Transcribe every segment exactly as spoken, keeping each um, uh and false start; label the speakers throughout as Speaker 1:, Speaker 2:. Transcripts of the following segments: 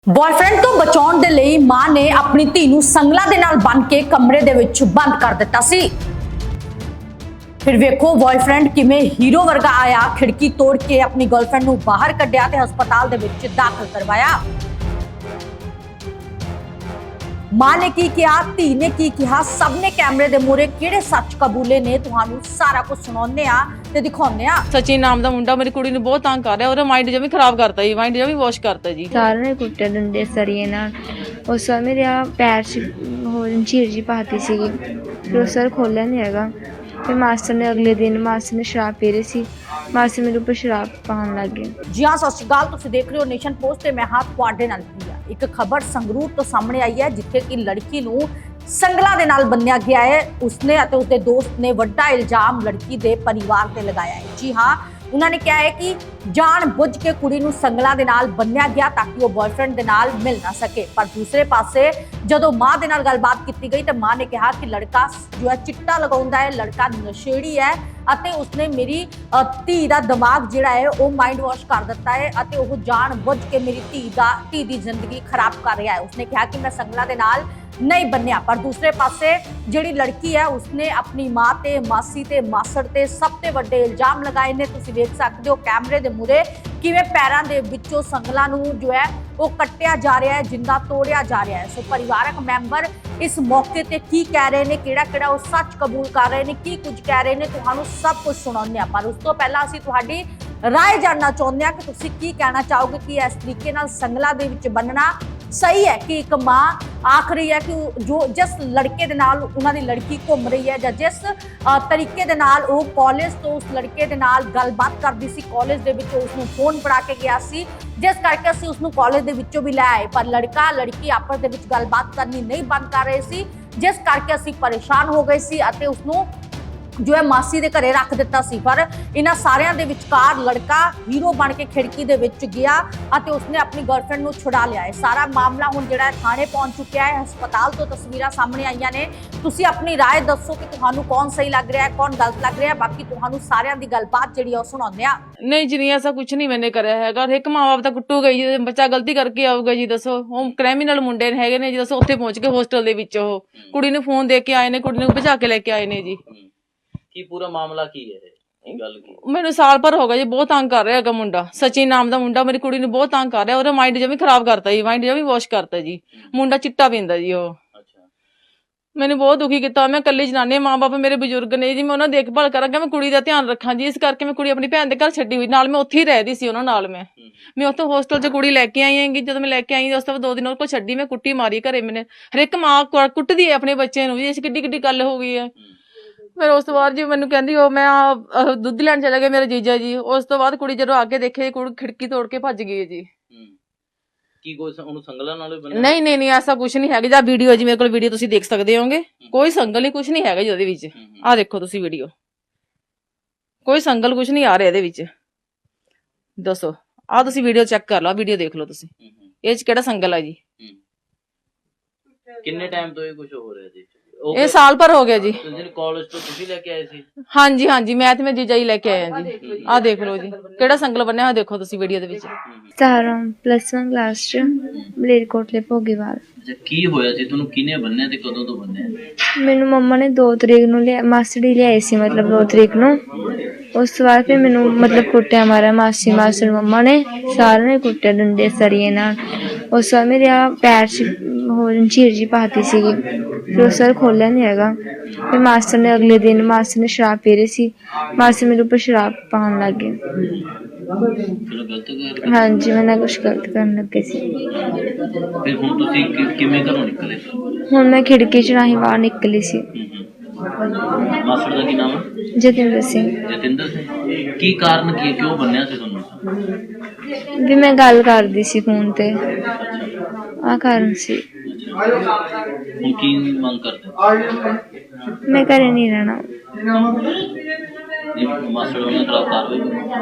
Speaker 1: Boyfriend ਤੋਂ ਬਚਾਉਣ ਦੇ ਲਈ ਮਾਂ ਨੇ ਆਪਣੀ ਧੀ ਨੂੰ ਸੰਗਲਾਂ ਦੇ ਨਾਲ ਬੰਨ੍ਹ ਕੇ ਕਮਰੇ ਦੇ ਵਿੱਚ ਬੰਦ ਕਰ ਦਿੱਤਾ ਸੀ। ਫਿਰ ਵੇਖੋ ਬॉयਫ੍ਰੈਂਡ ਕਿਵੇਂ ਹੀਰੋ ਵਰਗਾ ਆਇਆ, ਖਿੜਕੀ ਤੋੜ ਕੇ ਆਪਣੀ ਗਰਲਫ੍ਰੈਂਡ ਨੂੰ ਬਾਹਰ ਕੱਢਿਆ ਤੇ ਹਸਪਤਾਲ ਦੇ ਵਿੱਚ ਦਾਖਲ ਕਰਵਾਇਆ। ਮਾਂ ਨੇ ਕੀ ਕਿਹਾ, ਧੀ ਨੇ ਕੀ ਕਿਹਾ, ਸਭ ਨੇ ਕੈਮਰੇ ਦੇ ਮੂਹਰੇ ਕਿਹੜੇ ਸੱਚ ਕਬੂਲੇ ਨੇ, ਤੁਹਾਨੂੰ ਸਾਰਾ ਕੁਝ ਸੁਣਾਉਂਦੇ ਆ ਤੇ ਦਿਖਾਉਂਦੇ ਆ।
Speaker 2: ਸਚਿਨ ਨਾਮ ਦਾ ਮੁੰਡਾ ਮੇਰੀ ਕੁੜੀ ਨੂੰ ਬਹੁਤ ਤੰਗ ਕਰ ਰਿਹਾ, ਉਹਦਾ ਮਾਈਂਡ ਜਮੀ ਖਰਾਬ ਕਰਤਾ ਜੀ, ਮਾਈਂਡ ਜਮੀ ਵਾਸ਼ ਕਰਤਾ ਜੀ।
Speaker 3: ਸਾਰਿਆਂ ਨੇ ਕੁੱਟੇ ਡੰਡੇ ਸਰੀਏ ਨਾਲ। ਉਸ ਵਾਰ ਮੇਰੇ ਆ ਪੈਰ 'ਚ ਹੋ ਝੀਰ ਜੀ ਪਾਤੀ ਸੀਗੀ, ਫਿਰ ਉਹ ਸਰ ਖੋਲ੍ਹਿਆ ਨਹੀਂ ਹੈਗਾ। ਫਿਰ ਮਾਸਟਰ ਨੇ ਅਗਲੇ ਦਿਨ ਮਾਸਟਰ ਨੇ ਸ਼ਰਾਬ ਪੀ ਰਹੀ ਸੀ, ਮਾਸਟਰ ਮੇਰੇ ਉੱਪਰ ਸ਼ਰਾਬ ਪਾਉਣ ਲੱਗ ਗਏ।
Speaker 1: ਜੀ ਹਾਂ, ਸਤਿ ਸ਼੍ਰੀ ਅਕਾਲ, ਤੁਸੀਂ ਦੇਖ ਰਹੇ ਹੋ ਨੇਸ਼ਨ ਪੋਸਟ ਤੇ ਮੈਂ ਹਾਂ ਤੁਹਾਡੇ ਨਾਲ ਪ੍ਰਿਆ। ਇੱਕ ਖਬਰ ਸੰਗਰੂਰ ਤੋਂ ਸਾਹਮਣੇ ਆਈ ਹੈ, ਜਿੱਥੇ ਕਿ ਲੜਕੀ ਨੂੰ ਸੰਗਲਾਂ ਦੇ ਨਾਲ ਬੰਨਿਆ ਗਿਆ ਹੈ। ਉਸਨੇ ਅਤੇ ਉਸਦੇ ਦੋਸਤ ਨੇ ਵੱਡਾ ਇਲਜ਼ਾਮ ਲੜਕੀ ਦੇ ਪਰਿਵਾਰ ਤੇ ਲਗਾਇਆ ਹੈ। ਜੀ ਹਾਂ, ਉਹਨਾਂ ਨੇ ਕਿਹਾ ਹੈ ਕਿ ਜਾਣ ਬੁੱਝ ਕੇ ਕੁੜੀ ਨੂੰ ਸੰਗਲਾਂ ਦੇ ਨਾਲ ਬੰਨਿਆ ਗਿਆ ਤਾਂ ਕਿ ਉਹ ਬॉयਫ੍ਰੈਂਡ ਦੇ ਨਾਲ ਮਿਲ ਨਾ ਸਕੇ। ਪਰ ਦੂਸਰੇ ਪਾਸੇ ਜਦੋਂ ਮਾਂ ਦੇ ਨਾਲ ਗੱਲਬਾਤ ਕੀਤੀ ਗਈ ਤਾਂ ਮਾਂ ਨੇ ਕਿਹਾ ਕਿ ਲੜਕਾ ਜੋ ਹੈ ਚਿੱਟਾ ਲਗਾਉਂਦਾ ਹੈ, ਲੜਕਾ ਨਸ਼ੇੜੀ ਹੈ ਅਤੇ ਉਸਨੇ ਮੇਰੀ ਧੀ ਦਾ ਦਿਮਾਗ ਜਿਹੜਾ ਹੈ ਉਹ ਮਾਈਂਡ ਵਾਸ਼ ਕਰ ਦਿੱਤਾ ਹੈ ਅਤੇ ਉਹ ਜਾਣ ਬੁੱਝ ਕੇ ਮੇਰੀ ਧੀ ਦਾ ਧੀ ਦੀ ਜ਼ਿੰਦਗੀ ਖਰਾਬ ਕਰ ਰਿਹਾ ਹੈ। ਉਸਨੇ ਕਿਹਾ ਕਿ ਮੈਂ ਸੰਗਲਾਂ ਦੇ ਨਾਲ ਨਹੀਂ ਬੰਨਿਆ। ਪਰ ਦੂਸਰੇ ਪਾਸੇ ਜਿਹੜੀ ਲੜਕੀ ਹੈ ਉਸਨੇ ਆਪਣੀ ਮਾਂ ਤੇ ਮਾਸੀ ਤੇ ਮਾਸੜ ਤੇ ਸਭ ਤੇ ਵੱਡੇ ਇਲਜ਼ਾਮ ਲਗਾਏ ਨੇ। ਤੁਸੀਂ ਦੇਖ ਸਕਦੇ ਹੋ ਕੈਮਰੇ ਦੇ ਮੂਹਰੇ ਕਿਵੇਂ ਪੈਰਾਂ ਦੇ ਵਿੱਚੋਂ ਸੰਗਲਾਂ ਨੂੰ ਜੋ ਹੈ ਉਹ ਕੱਟਿਆ ਜਾ ਰਿਹਾ ਹੈ, ਜਿੰਦਾ ਤੋੜਿਆ ਜਾ ਰਿਹਾ ਹੈ। ਸੋ ਪਰਿਵਾਰਕ ਮੈਂਬਰ ਇਸ ਮੌਕੇ ਤੇ ਕੀ ਕਹਿ ਰਹੇ ਨੇ, ਕਿਹੜਾ ਕਿਹੜਾ ਉਹ ਸੱਚ ਕਬੂਲ ਕਰ ਰਹੇ ਨੇ, ਕੀ ਕੁਝ ਕਹਿ ਰਹੇ ਨੇ, ਤੁਹਾਨੂੰ ਸਭ ਕੁਝ ਸੁਣਾਉਂਦੇ ਆ। ਪਰ ਉਸ ਤੋਂ ਪਹਿਲਾਂ ਅਸੀਂ ਤੁਹਾਡੀ ਰਾਏ ਜਾਣਨਾ ਚਾਹੁੰਦੇ ਹਾਂ ਕਿ ਤੁਸੀਂ ਕੀ ਕਹਿਣਾ ਚਾਹੋਗੇ ਕਿ ਇਸ ਤਰੀਕੇ ਨਾਲ ਸੰਗਲਾਂ ਦੇ ਵਿੱਚ ਬੰਨਣਾ ਸਹੀ ਹੈ ਕਿ ਇੱਕ ਮਾਂ ਆਖ ਰਹੀ ਹੈ ਕਿ ਜੋ ਜਿਸ ਲੜਕੇ ਦੇ ਨਾਲ ਉਹਨਾਂ ਦੀ ਲੜਕੀ ਘੁੰਮ ਰਹੀ ਹੈ ਜਾਂ ਜਿਸ ਤਰੀਕੇ ਦੇ ਨਾਲ ਉਹ ਕਾਲਜ ਤੋਂ ਉਸ ਲੜਕੇ ਦੇ ਨਾਲ ਗੱਲਬਾਤ ਕਰਦੀ ਸੀ, ਕਾਲਜ ਦੇ ਵਿੱਚ ਉਸ ਨੂੰ ਫੋਨ ਫੜਾ ਕੇ ਗਿਆ ਸੀ, ਜਿਸ ਕਰਕੇ ਅਸੀਂ ਉਸ ਨੂੰ ਕਾਲਜ ਦੇ ਵਿੱਚੋਂ ਵੀ ਲੈ ਆਏ। ਪਰ ਲੜਕਾ ਲੜਕੀ ਆਪਸ ਦੇ ਵਿੱਚ ਗੱਲਬਾਤ ਕਰਨੀ ਨਹੀਂ ਬੰਦ ਕਰ ਰਹੇ ਸੀ, ਜਿਸ ਕਰਕੇ ਅਸੀਂ ਪਰੇਸ਼ਾਨ ਹੋ ਗਏ ਸੀ ਅਤੇ ਉਸ ਨੂੰ ਜੋ ਹੈ ਮਾਸੀ ਦੇ ਘਰੇ ਰੱਖ ਦਿੱਤਾ ਸੀ। ਪਰ ਇਹਨਾਂ ਸਾਰਿਆਂ ਦੇ ਵਿਚਕਾਰ ਲੜਕਾ ਹੀਰੋ ਬਣ ਕੇ ਖਿੜਕੀ ਦੇ ਵਿੱਚ ਗਿਆ ਅਤੇ ਉਸਨੇ ਆਪਣੀ ਗਰਲਫ੍ਰੈਂਡ ਨੂੰ ਛੁਡਾ ਲਿਆ ਹੈ। ਸਾਰਾ ਮਾਮਲਾ ਹੁਣ ਜਿਹੜਾ ਹੈ ਥਾਣੇ ਪਹੁੰਚ ਚੁੱਕਿਆ ਹੈ। ਹਸਪਤਾਲ ਤੋਂ ਤਸਵੀਰਾਂ ਸਾਹਮਣੇ ਆਈਆਂ ਨੇ। ਤੁਸੀਂ ਆਪਣੀ ਰਾਏ ਦੱਸੋ ਕਿ ਤੁਹਾਨੂੰ ਕੌਣ ਸਹੀ ਲੱਗ ਰਿਹਾ ਹੈ, ਕੌਣ ਗਲਤ ਲੱਗ ਰਿਹਾ ਹੈ। ਬਾਕੀ ਤੁਹਾਨੂੰ ਸਾਰਿਆਂ ਦੀ ਗੱਲਬਾਤ ਜਿਹੜੀ ਉਹ ਸੁਣਾਉਂਦੇ ਆ।
Speaker 2: ਨਹੀਂ ਜੀ, ਨਹੀਂ ਐਸਾ ਕੁਝ ਨਹੀਂ ਮੈਨੇ ਕਰਿਆ ਹੈਗਾ। ਇੱਕ ਮਾਂ ਬਾਪ ਤਾਂ ਕੁੱਟੂਗਾ ਜੀ, ਬੱਚਾ ਗਲਤੀ ਕਰਕੇ ਆਊਗਾ ਜੀ, ਦੱਸੋ। ਉਹ ਕ੍ਰਿਮੀਨਲ ਮੁੰਡੇ ਹੈਗੇ ਨੇ ਜੀ, ਦੱਸੋ। ਉੱਥੇ ਪਹੁੰਚ ਕੇ ਹੋਸਟਲ ਦੇ ਵਿੱਚ ਉਹ ਕੁੜੀ ਨੂੰ ਫੋਨ ਦੇ ਕੇ ਆਏ ਨੇ, ਕੁੜੀ ਨੂੰ ਭਜਾ ਕੇ ਲੈ ਕੇ ਆਏ ਨੇ ਜੀ।
Speaker 4: ਕੀ ਪੂਰਾ ਮਾਮਲਾ ਕੀ ਹੈ ਇਹ ਗੱਲ ਕੀ?
Speaker 2: ਮੈਨੂੰ ਸਾਲ ਭਰ ਹੋ ਗਿਆ ਜੀ, ਬਹੁਤ ਤੰਗ ਕਰ ਰਿਹਾ ਹੈਗਾ ਮੁੰਡਾ। ਸਚਿਨ ਨਾਮ ਦਾ ਮੁੰਡਾ ਮੇਰੀ ਕੁੜੀ ਨੂੰ ਬਹੁਤ ਤੰਗ ਕਰ ਰਿਹਾ, ਉਹਦਾ ਮਾਈਂਡ ਜਮੀ ਖਰਾਬ ਕਰਤਾ ਜੀ, ਮਾਈਂਡ ਜਮੀ ਵਾਸ਼ ਕਰਤਾ ਜੀ। ਮੁੰਡਾ ਚਿੱਟਾ ਪੀਂਦਾ ਜੀ ਉਹ। ਮੈਨੂੰ ਬਹੁਤ ਦੁਖੀ ਕੀਤਾ। ਮੈਂ ਇਕੱਲੀ ਜਨਾਨੀ, ਮਾਂ ਬਾਪ ਮੇਰੇ ਬਜ਼ੁਰਗ ਨੇ ਜੀ, ਮੈਂ ਉਹਨਾਂ ਦੀ ਦੇਖਭਾਲ ਕਰਾਂਗਾ, ਮੈਂ ਕੁੜੀ ਦਾ ਧਿਆਨ ਰੱਖਾਂ ਜੀ। ਇਸ ਕਰਕੇ ਮੈਂ ਕੁੜੀ ਆਪਣੀ ਭੈਣ ਦੇ ਘਰ ਛੱਡੀ ਹੋਈ, ਨਾਲ ਮੈਂ ਉੱਥੇ ਹੀ ਰਹਿਦੀ ਸੀ ਉਹਨਾਂ ਨਾਲ। ਮੈਂ ਮੈਂ ਉੱਥੋਂ ਹੋਸਟਲ 'ਚ ਕੁੜੀ ਲੈ ਕੇ ਆਈ ਹੈਗੀ। ਜਦੋਂ ਮੈਂ ਲੈ ਕੇ ਆਈ ਉਸ ਤੋਂ ਬਾਅਦ ਦੋ ਦਿਨ ਉਹ ਕੋਲ ਛੱਡੀ, ਮੈਂ ਕੁੱਟੀ ਮਾਰੀ ਘਰੇ। ਮੈਨੇ ਹਰ ਇੱਕ ਮਾਂ ਕੁੱਟਦੀ ਹੈ ਆਪਣੇ ਬੱਚੇ ਨੂੰ ਜੀ, ਇਸ ਕਿੱਡੀ ਕਿੱਡੀ ਗੱਲ ਹੋ ਗਈ ਹੈ। ਫਿਰ ਉਸ ਤੋਂ ਬਾਅਦ ਜੀ ਮੈਨੂੰ ਕਹਿੰਦੀ ਉਹ ਮੈਂ ਦੁੱਧ ਲੈਣ ਚਲੇ ਗਏ ਮੇਰੇ ਜੀਜਾ ਜੀ। ਉਸ ਤੋਂ ਬਾਅਦ ਕੁੜੀ ਜਦੋਂ ਅੱਗੇ ਦੇਖੇ, ਕੁੜੀ ਖਿੜਕੀ ਤੋੜ ਕੇ ਭੱਜ ਗਈ ਜੀ।
Speaker 4: ਕੀ ਕੋਈ ਉਹਨੂੰ ਸੰਗਲਾਂ ਨਾਲ ਬੰਨਿਆ?
Speaker 2: ਨਹੀਂ ਨਹੀਂ ਨਹੀਂ, ਐਸਾ ਕੁਝ ਨਹੀਂ ਹੈਗਾ। ਜਾਂ ਵੀਡੀਓ ਜੀ ਮੇਰੇ ਕੋਲ ਵੀਡੀਓ ਤੁਸੀਂ ਦੇਖ ਸਕਦੇ ਹੋਗੇ, ਕੋਈ ਸੰਗਲ ਨਹੀਂ, ਕੁਝ ਨਹੀਂ ਹੈਗਾ ਜੀ ਉਹਦੇ ਵਿੱਚ। ਆਹ ਦੇਖੋ ਤੁਸੀਂ ਵੀਡੀਓ, ਕੋਈ ਸੰਗਲ ਕੁਝ ਨਹੀਂ ਆ ਰਿਹਾ ਇਹਦੇ ਵਿੱਚ। ਦੱਸੋ, ਆਹ ਤੁਸੀਂ ਵੀਡੀਓ ਚੈੱਕ ਕਰ ਲਓ, ਵੀਡੀਓ ਦੇਖ ਲਓ ਤੁਸੀਂ, ਇਹ 'ਚ ਕਿਹੜਾ ਸੰਗਲ ਹੈ ਜੀ।
Speaker 4: ਕਿੰਨੇ ਟਾਈਮ ਤੋਂ ਇਹ ਕੁਝ ਹੋ ਰਿਹਾ ਜੀ?
Speaker 2: ਇਹ ਸਾਲ ਭਰ ਹੋ ਗਿਆ ਜੀ।
Speaker 4: ਕਾਲਜ ਤੋਂ ਤੁਸੀਂ ਲੈ ਕੇ ਆਏ ਸੀ?
Speaker 2: ਹਾਂਜੀ ਹਾਂਜੀ, ਮੈਂ ਤੇ ਮੈਂ ਜੀਜਾ ਜੀ ਲੈ ਕੇ ਆਏ ਆ ਜੀ। ਆਹ ਦੇਖ ਲਓ ਜੀ, ਕਿਹੜਾ ਸੰਗਲ ਬੰਨਿਆ ਹੋਇਆ ਦੇਖੋ ਤੁਸੀਂ ਵੀਡੀਓ ਦੇ ਵਿੱਚ।
Speaker 3: ਸਤਾਰਾਂ ਪਲੱਸ ਵਨ ਕਲਾਸ 'ਚ ਮਲੇਰਕੋਟਲੇ ਭੋਗੀਵਾਲ।
Speaker 4: ਅੱਛਾ, ਕੀ ਹੋਇਆ ਸੀ? ਤੁਹਾਨੂੰ ਕਿਹਨੇ ਬੰਨਿਆ ਤੇ ਕਦੋਂ ਤੋਂ ਬੰਨਿਆ?
Speaker 3: ਮੈਨੂੰ ਮੰਮਾ ਨੇ ਦੋ ਤਰੀਕ ਨੂੰ ਲਿਆ, ਮਾਸੜੀ ਲਿਆਏ ਸੀ, ਮਤਲਬ ਦੋ ਤਰੀਕ ਨੂੰ। ਉਸ ਤੋਂ ਬਾਅਦ ਫਿਰ ਮੈਨੂੰ ਮਤਲਬ ਕੁੱਟਿਆ ਮਾਰਿਆ ਮਾਸੀ ਮਾਸੜ ਮੰਮਾ ਨੇ, ਸਾਰਿਆਂ ਨੇ ਕੁੱਟਿਆ ਡੰਡੇ ਸਰੀਏ ਨਾਲ। ਉਸ ਤੋਂ ਬਾਅਦ ਮੇਰੇ ਆ ਪੈਰ 'ਚ ਹੋ ਝੀਰ ਜੀ ਪਾਤੀ ਸੀਗੀ, ਫਿਰ ਉਹ ਸਰ ਖੋਲ੍ਹਿਆ ਨਹੀਂ ਹੈਗਾ। ਫਿਰ ਮਾਸਟਰ ਨੇ ਅਗਲੇ ਦਿਨ ਮਾਸਟਰ ਨੇ ਸ਼ਰਾਬ ਪੀ ਰਹੀ ਸੀ, ਮਾਸਟਰ ਮੇਰੇ ਉੱਪਰ ਸ਼ਰਾਬ ਪਾਉਣ ਲੱਗ ਗਏ। ਹਾਂਜੀ, ਮੈਂ ਨਾ ਕੁਛ ਗਲਤ ਕਰਨ ਲੱਗੇ ਸੀ।
Speaker 4: ਫਿਰ ਹੁਣ ਤੁਸੀਂ ਕਿਵੇਂ ਘਰੋਂ ਨਿਕਲੇ?
Speaker 3: ਹੁਣ ਮੈਂ ਖਿੜਕੀ 'ਚ ਰਾਹੀਂ ਬਾਹਰ ਨਿਕਲੀ ਸੀ।
Speaker 4: ਮਾਸੜ ਦਾ ਕੀ ਨਾਮ ਹੈ?
Speaker 3: ਜਤਿੰਦਰ ਸਿੰਘ।
Speaker 4: ਜਤਿੰਦਰ ਸਿੰਘ। ਕੀ ਕਾਰਨ ਕੀ, ਕਿਉਂ ਬੰਨਿਆ ਸੀ ਤੁਹਾਨੂੰ?
Speaker 3: ਵੀ ਮੈਂ ਗੱਲ ਕਰਦੀ ਸੀ ਫੋਨ ਤੇ, ਆਹ ਕਾਰਨ ਸੀ।
Speaker 4: ਹੁਣ ਕੀ ਮੰਗ ਕਰਦੇ?
Speaker 3: ਮੈਂ ਘਰੇ ਨਹੀਂ ਰਹਿਣਾ।
Speaker 4: ਮਾਸੜ ਉਹਨਾਂ ਖਿਲਾਫ ਕਾਰਵਾਈ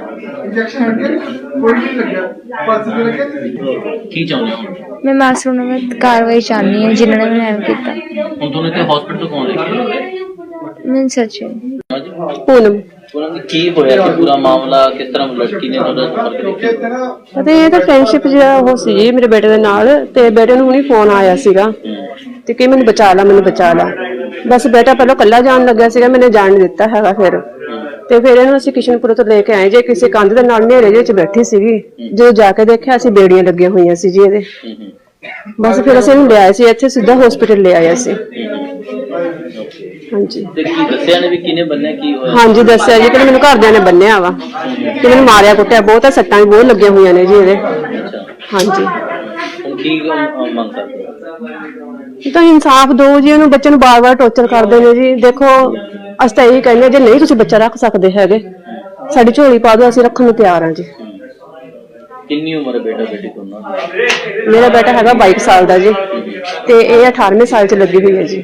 Speaker 4: ਕੀ ਚਾਹੁੰਦੇ ਹੋ?
Speaker 3: ਮੈਂ ਮਾਸੜ ਨੂੰ ਮੈਂ ਕਾਰਵਾਈ ਚਾਹੁੰਦੀ ਹਾਂ ਜਿਨ੍ਹਾਂ ਨੇ ਮੈਨੂੰ ਐਵੇਂ ਕੀਤਾ।
Speaker 4: ਹੁਣ ਤੁਹਾਨੂੰ ਇੱਥੇ ਹਸਪੀਟਲ ਤੋਂ ਕੌਣ ਲੈ ਕੇ ਆਇਆ?
Speaker 3: ਮੈਂ ਸੱਚੀ
Speaker 5: पूनम
Speaker 4: ਉਹਨਾਂ ਦੀ ਕੀ ਹੋਇਆ ਕਿ ਪੂਰਾ ਮਾਮਲਾ ਕਿਸ ਤਰ੍ਹਾਂ ਲੜਕੀ ਨੇ ਤੁਹਾਡਾ ਸੰਪਰਕ ਕੀਤਾ?
Speaker 5: ਅਤੇ ਇਹ ਤਾਂ ਫਰੈਂਡਸ਼ਿਪ ਜਿਹੜਾ ਉਹ ਸੀ ਜੀ ਮੇਰੇ ਬੇਟੇ ਦੇ ਨਾਲ, ਤੇ ਬੇਟੇ ਨੂੰ ਹੁਣੀ ਫੋਨ ਆਇਆ ਸੀਗਾ ਤੇ ਕਿ ਮੈਨੂੰ ਬਚਾ ਲਾ ਮੈਨੂੰ ਬਚਾ ਲਾ। ਬਸ ਬੇਟਾ ਪਹਿਲਾਂ ਇਕੱਲਾ ਜਾਣ ਲੱਗਿਆ ਸੀਗਾ, ਮੈंने ਜਾਣ ਨਹੀਂ ਦਿੱਤਾ ਹੈਗਾ। ਫਿਰ ਤੇ ਫਿਰ ਇਹਨੂੰ ਅਸੀਂ ਕਿਸ਼ਨਪੁਰ ਤੋਂ ਲੈ ਕੇ ਆਏ ਜੇ ਕਿਸੇ ਕੰਧ ਦੇ ਨਾਲ ਹਨੇਰੇ ਵਿੱਚ ਬੈਠੀ ਸੀਗੀ। ਜਦੋਂ ਜਾ ਕੇ ਦੇਖਿਆ ਅਸੀਂ ਬੇੜੀਆਂ ਲੱਗੀਆਂ ਹੋਈਆਂ ਸੀ ਜੀ ਇਹਦੇ। ਬਸ ਫਿਰ ਅਸੀਂ ਇਹਨੂੰ ਲਿਆਏ ਸੀ ਇੱਥੇ, ਸਿੱਧਾ ਹਸਪੀਟਲ ਲੈ ਆਏ ਸੀ। ਹਾਂਜੀ
Speaker 4: ਤੇ ਕੀ ਦੱਸਿਆ ਨੇ ਵੀ ਕਿਹਨੇ ਬੰਨਿਆ, ਕੀ ਹੋਇਆ?
Speaker 5: ਹਾਂਜੀ ਦੱਸਿਆ ਜੀ ਕਿ ਮੈਨੂੰ ਘਰਦਿਆਂ ਨੇ ਬੰਨਿਆ ਵਾ, ਕਿ ਮੈਨੂੰ ਮਾਰਿਆ ਕੁੱਟਿਆ ਬਹੁਤ ਆ, ਸੱਟਾਂ ਵੀ ਬਹੁਤ ਲੱਗੀਆਂ ਹੋਈਆਂ ਨੇ ਜੀ ਇਹਦੇ। ਹਾਂਜੀ
Speaker 4: ਹੁਣ ਕੀ ਅਹ, ਮੰਗ ਕਰਦੇ ਹੋ?
Speaker 5: ਤਾਂ ਇਨਸਾਫ ਦਿਓ ਜੀ, ਉਹਨੂੰ ਬੱਚੇ ਨੂੰ ਬਾਰ-ਬਾਰ ਟੌਰਚਰ ਕਰਦੇ ਨੇ ਜੀ। ਦੇਖੋ ਅਸੀਂ ਤਾਂ ਇਹੀ ਕਹਿੰਦੇ ਜੇ ਨਹੀਂ ਤੁਸੀਂ ਬੱਚਾ ਰੱਖ ਸਕਦੇ ਹੈਗੇ, ਸਾਡੀ ਝੋਲੀ ਪਾ ਦਿਓ, ਅਸੀਂ ਰੱਖਣ ਨੂੰ ਤਿਆਰ ਹਾਂ ਜੀ।
Speaker 4: ਕਿੰਨੀ ਉਮਰ ਹੈ ਬੇਟਾ ਬੇਟੀ ਦੋਨਾਂ ਦੀ?
Speaker 5: ਮੇਰਾ ਬੇਟਾ ਹੈਗਾ ਬਾਈ ਸਾਲ ਦਾ ਜੀ, ਤੇ ਇਹ ਅਠਾਰਵੇਂ ਸਾਲ ਚ ਲੱਗੀ ਹੋਈ ਹੈ ਜੀ।